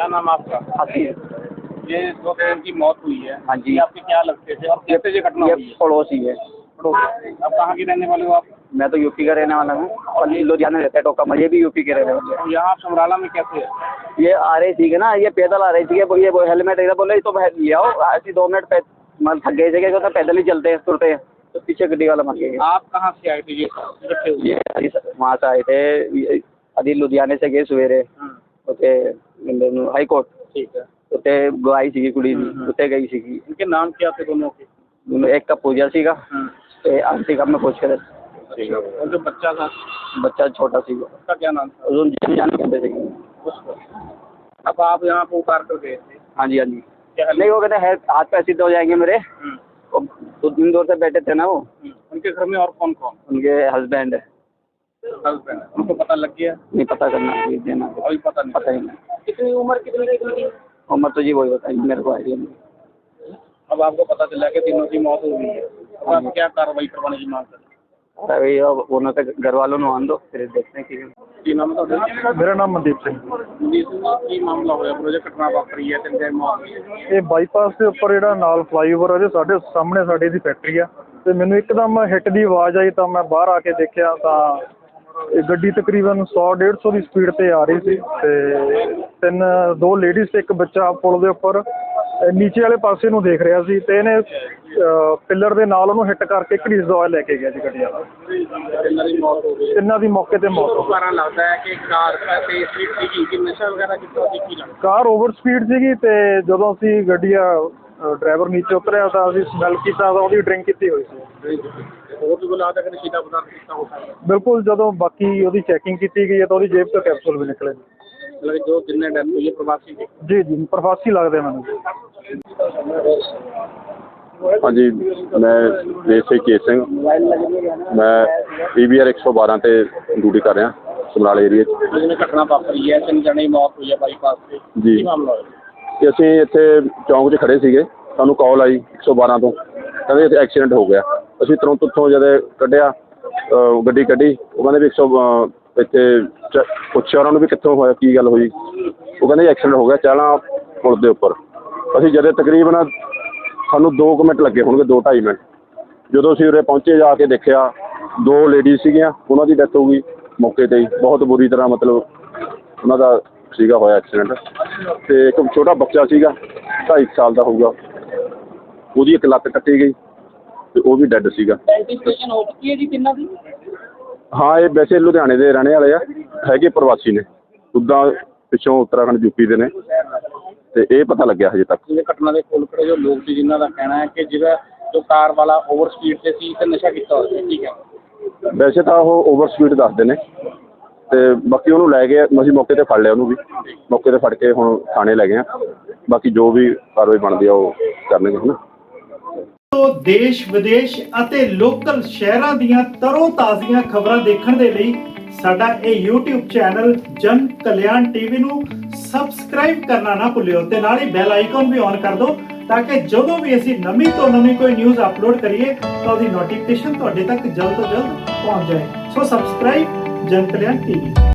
क्या नाम आपका? हासिल। ये 2 बहन की मौत हुई है। हाँ जी। ये आपके क्या लगते थे और कैसे ये घटना हुई है? पड़ोसी है। अब कहाँ की रहने वाले हो आप? मैं तो यूपी का रहने वाला हूँ और ये लुधियाना रहता है टोका, ये भी यूपी के रहने वाले हैं। और यहाँ आप समराला में कैसे है? ये आ रही थी ना, ये पैदल आ रही थी, ये वो हेलमेट इधर बोले तो ले आओ, ऐसी 2 मिनट मतलब थक गए थे, क्या पैदल ही चलते हैं तुरते हैं, तो पीछे गड्डी वाला मर गया। आप कहाँ से आए थे ये इकट्ठे हुए? ये वहाँ से आए थे, अभी लुधियाने से गए सवेरे उते हाई कोर्ट, ठीक है। उते गई सी कुड़ी उते गई सी। इनके नाम क्या थे दोनों के? एक का पूजा सीगा ते आंटी का मैं पूछ कर। ठीक है। और जो बच्चा था? बच्चा छोटा सीगा, उसका क्या नाम था? उसको जान कहते थे। उसको। अब आप यहाँ को उतार कर गए थे? हाँ जी हाँ जी। क्या नहीं वो कहते हैं हाथ पैर सीधे हो जाएंगे मेरे, हम्म। तो दिन दूर से बैठे थे ना वो। उनके घर में और कौन कौन? उनके हस्बैंड है। हस्बैंड है। उनको पता लग गया? नहीं पता करना ये देना, अभी पता नहीं। पता ही नहीं। कितनी उम्र कितनी? उम्र तो जी वही बताइए मेरे को आइडिया नहीं। अब आपको पता चला कि तीनों की मौत हो गई है, तो आप क्या कार्रवाई करवाने की मांग करते हैं? अरे अब उन्होंने तो घर वालों ने आन दो, फिर देखते हैं ਕੀ ਨਾਮ ਹੈ ਤੁਹਾਡਾ? ਮੇਰਾ ਨਾਮ ਮਨਦੀਪ ਸਿੰਘ। ਮਨਦੀਪ ਸਿੰਘ ਜੀ, ਕੀ ਮਾਮਲਾ ਹੋਇਆ? ਪ੍ਰੋਜੈਕਟ ਘਟਨਾ ਵਾਪਰੀ ਹੈ, 3 ਦਿਨ ਮੌਤ ਹੋਈ ਹੈ। ਇਹ ਬਾਈਪਾਸ ਦੇ ਉੱਪਰ ਜਿਹੜਾ ਨਾਲ ਫਲਾਈਓਵਰ ਆ, ਸਾਡੇ ਸਾਹਮਣੇ ਸਾਡੀ ਦੀ ਫੈਕਟਰੀ ਆ, ਤੇ ਮੈਨੂੰ ਇੱਕਦਮ ਹਿੱਟ ਦੀ ਆਵਾਜ਼ ਆਈ ਤਾਂ ਮੈਂ ਬਾਹਰ ਆ ਕੇ ਦੇਖਿਆ ਤਾਂ ਇਹ ਗੱਡੀ ਤਕਰੀਬਨ 100-150 ਦੀ ਸਪੀਡ ਤੇ ਆ ਰਹੀ ਸੀ, ਤੇ 2 ਲੇਡੀਜ਼ ਤੇ ਇੱਕ ਬੱਚਾ ਪੁਲ ਦੇ ਉੱਪਰ ਨੀਚੇ ਵਾਲੇ ਪਾਸੇ ਨੂੰ ਦੇਖ ਰਿਹਾ ਸੀ, ਤੇ ਇਹਨੇ ਪਿੱਲਰ ਦੇ ਨਾਲ ਉਹਨੂੰ ਹਿੱਟ ਕਰਕੇ ਘੜੀਸ ਦਵਾ ਲੈ ਕੇ ਗਿਆ ਜੀ ਗੱਡੀ ਵਾਲਾ। ਇਹਨਾਂ ਦੀ ਮੌਤ ਹੋ ਗਈ। ਤਿੰਨਾਂ ਦੀ ਮੌਕੇ ਤੇ ਮੌਤ ਹੋ ਗਈ। ਕਾਰਨ ਲੱਗਦਾ ਹੈ ਕਿ ਕਾਰ ਤੇ ਸਪੀਡ ਸੀਗੀ ਕਿ ਨਸ਼ਾ ਵਗੈਰਾ ਕੀਤਾ ਸੀ, ਕੀ ਲੱਗਦਾ? ਕਾਰ ਓਵਰ ਸਪੀਡ ਸੀਗੀ, ਤੇ ਜਦੋਂ ਅਸੀਂ ਗੱਡੀ ਡਰਾਈਵਰ ਨੀਚੇ ਉਤਰਿਆ ਤਾਂ ਅਸੀਂ ਸਮੈਲ ਕੀਤਾ ਤਾਂ ਉਹਦੀ ਡਰਿੰਕ ਕੀਤੀ ਹੋਈ ਸੀ। ਹੋਰ ਵੀ ਕੋਈ ਲੱਗਦਾ ਕਿ ਨਸ਼ੀਲਾ ਪਦਾਰਥ ਕੀਤਾ ਹੋ ਸਕਦਾ? ਬਿਲਕੁਲ, ਜਦੋਂ ਬਾਕੀ ਉਹਦੀ ਚੈਕਿੰਗ ਕੀਤੀ ਗਈ ਹੈ ਤਾਂ ਉਹਦੀ ਜੇਬ ਤੋਂ ਕੈਪਸੂਲ ਵੀ ਨਿਕਲੇ। ਮਤਲਬ ਜੋ ਜਿੰਨੇ ਡੈਥ ਹੋਈ ਹੈ ਪ੍ਰਵਾਸੀ ਸੀ? ਜੀ ਪ੍ਰਵਾਸੀ ਲੱਗਦੇ ਮੈਨੂੰ। हाँ जी, मैं देसी केस सिंह, मैं PBR 112 ਤੇ ਡਿਊਟੀ ਕਰ ਰਿਹਾ ਸਮਰਾਲੇ ਏਰੀਆ 'ਚ। ਜਿਵੇਂ ਘਟਨਾ ਵਾਪਰੀ ਹੈ, 3 ਜਣੇ ਦੀ ਮੌਤ ਹੋਈ ਹੈ ਬਾਈਪਾਸ ਤੇ, ਜੀ। ਕੀ ਮਾਮਲਾ ਹੋਇਆ? ਤੇ ਅਸੀਂ ਇੱਥੇ ਚੌਂਕ 'ਚ ਖੜੇ ਸੀਗੇ, ਸਾਨੂੰ ਕਾਲ ਆਈ 112 ਤੋਂ, ਕਹਿੰਦੇ ਇੱਥੇ ਐਕਸੀਡੈਂਟ ਹੋ ਗਿਆ। ਅਸੀਂ ਤੁਰੰਤ ਉੱਥੋਂ ਜਦੋਂ ਕੱਢਿਆ ਗੱਡੀ ਕੱਢੀ, ਉਹ ਕਹਿੰਦੇ ਵੀ ਇੱਥੇ ਪੁੱਛਿਆ ਉਹਨਾਂ ਨੂੰ ਵੀ ਕਿੱਥੋਂ ਹੋਇਆ, ਕੀ ਗੱਲ ਹੋਈ। ਉਹ ਕਹਿੰਦੇ ਐਕਸੀਡੈਂਟ ਹੋ ਗਿਆ ਚਾਲਾਂ ਪੁਲ ਦੇ ਉੱਪਰ। ਅਸੀਂ ਜਦੋਂ ਤਕਰੀਬਨ ਸਾਨੂੰ 2 ਮਿੰਟ ਲੱਗੇ ਹੋਣਗੇ, 2-2.5 ਮਿੰਟ। ਜਦੋਂ ਅਸੀਂ ਉਰੇ ਪਹੁੰਚੇ ਜਾ ਕੇ ਦੇਖਿਆ 2 ਲੇਡੀਜ਼ ਸੀਗੀਆਂ, ਉਹਨਾਂ ਦੀ ਡੈਥ ਹੋ ਗਈ ਮੌਕੇ 'ਤੇ ਹੀ, ਬਹੁਤ ਬੁਰੀ ਤਰ੍ਹਾਂ ਮਤਲਬ ਉਹਨਾਂ ਦਾ ਸੀਗਾ ਹੋਇਆ ਐਕਸੀਡੈਂਟ। ਅਤੇ ਇੱਕ ਛੋਟਾ ਬੱਚਾ ਸੀਗਾ 2.5 ਸਾਲ ਦਾ ਹੋਊਗਾ, ਉਹਦੀ ਇੱਕ ਲੱਤ ਕੱਟੀ ਗਈ ਅਤੇ ਉਹ ਵੀ ਡੈੱਡ ਸੀਗਾ। ਆਈਡੈਂਟੀਫਿਕੇਸ਼ਨ ਹੋ ਚੁੱਕੀ ਹੈ ਜੀ ਤਿੰਨਾਂ ਦੀ? ਹਾਂ, ਇਹ ਵੈਸੇ ਲੁਧਿਆਣੇ ਦੇ ਰਹਿਣੇ ਵਾਲੇ ਆ, ਹੈਗੇ ਪ੍ਰਵਾਸੀ ਨੇ, ਉੱਦਾਂ ਪਿੱਛੋਂ ਉੱਤਰਾਖੰਡ ਯੂਪੀ ਦੇ ਨੇ, ਤੇ ਇਹ ਪਤਾ ਲੱਗਿਆ ਹਜੇ ਤੱਕ। ਜਿਵੇਂ ਘਟਨਾ ਦੇ ਕੋਲ ਖੜੇ ਜੋ ਲੋਕ ਸੀ, ਜਿਨ੍ਹਾਂ ਦਾ ਕਹਿਣਾ ਹੈ ਕਿ ਜਿਹੜਾ ਜੋ ਕਾਰ ਵਾਲਾ ਓਵਰ ਸਪੀਡ ਤੇ ਸੀ ਤੇ ਨਸ਼ਾ ਕੀਤਾ ਹੋਇਆ ਸੀ, ਠੀਕ ਹੈ? ਵੈਸੇ ਤਾਂ ਉਹ ਓਵਰ ਸਪੀਡ ਦੱਸਦੇ ਨੇ, ਤੇ ਬਾਕੀ ਉਹਨੂੰ ਲੈ ਗਏ, ਅਸੀਂ ਮੌਕੇ 'ਤੇ ਫੜ ਲਿਆ ਉਹਨੂੰ ਵੀ, ਮੌਕੇ 'ਤੇ ਫੜ ਕੇ ਹੁਣ ਥਾਣੇ ਲੈ ਗਏ ਆ। ਬਾਕੀ ਜੋ ਵੀ ਕਾਰਵਾਈ ਬਣਦੀ ਆ ਉਹ ਕਰਨਗੇ ਹੈ ਨਾ। ਦੇਸ਼ ਵਿਦੇਸ਼ ਅਤੇ ਲੋਕਲ ਸ਼ਹਿਰਾਂ ਦੀਆਂ ਤਰੋ ਤਾਜ਼ੀਆਂ ਖਬਰਾਂ ਦੇਖਣ ਦੇ ਲਈ ਸਾਡਾ ਇਹ YouTube ਚੈਨਲ ਜਨ ਕਲਿਆਣ ਟੀਵੀ ਨੂੰ ਸਬਸਕ੍ਰਾਈਬ ਕਰਨਾ ਨਾ ਭੁੱਲਿਓ, ਤੇ ਨਾਲ ਹੀ ਬੈਲ ਆਈਕਨ ਵੀ ਔਨ ਕਰ ਦਿਓ ਤਾਂ ਕਿ ਜਦੋਂ ਵੀ ਅਸੀਂ ਨਵੀਂ ਤੋਂ ਨਵੀਂ ਕੋਈ ਨਿਊਜ਼ ਅਪਲੋਡ ਕਰੀਏ ਤਾਂ ਉਹਦੀ ਨੋਟੀਫਿਕੇਸ਼ਨ ਤੁਹਾਡੇ ਤੱਕ ਜਲਦ ਤੋਂ ਜਲਦ ਪਹੁੰਚ ਜਾਏ। ਸੋ ਸਬਸਕ੍ਰਾਈਬ ਜਨ ਕਲਿਆਣ ਟੀਵੀ।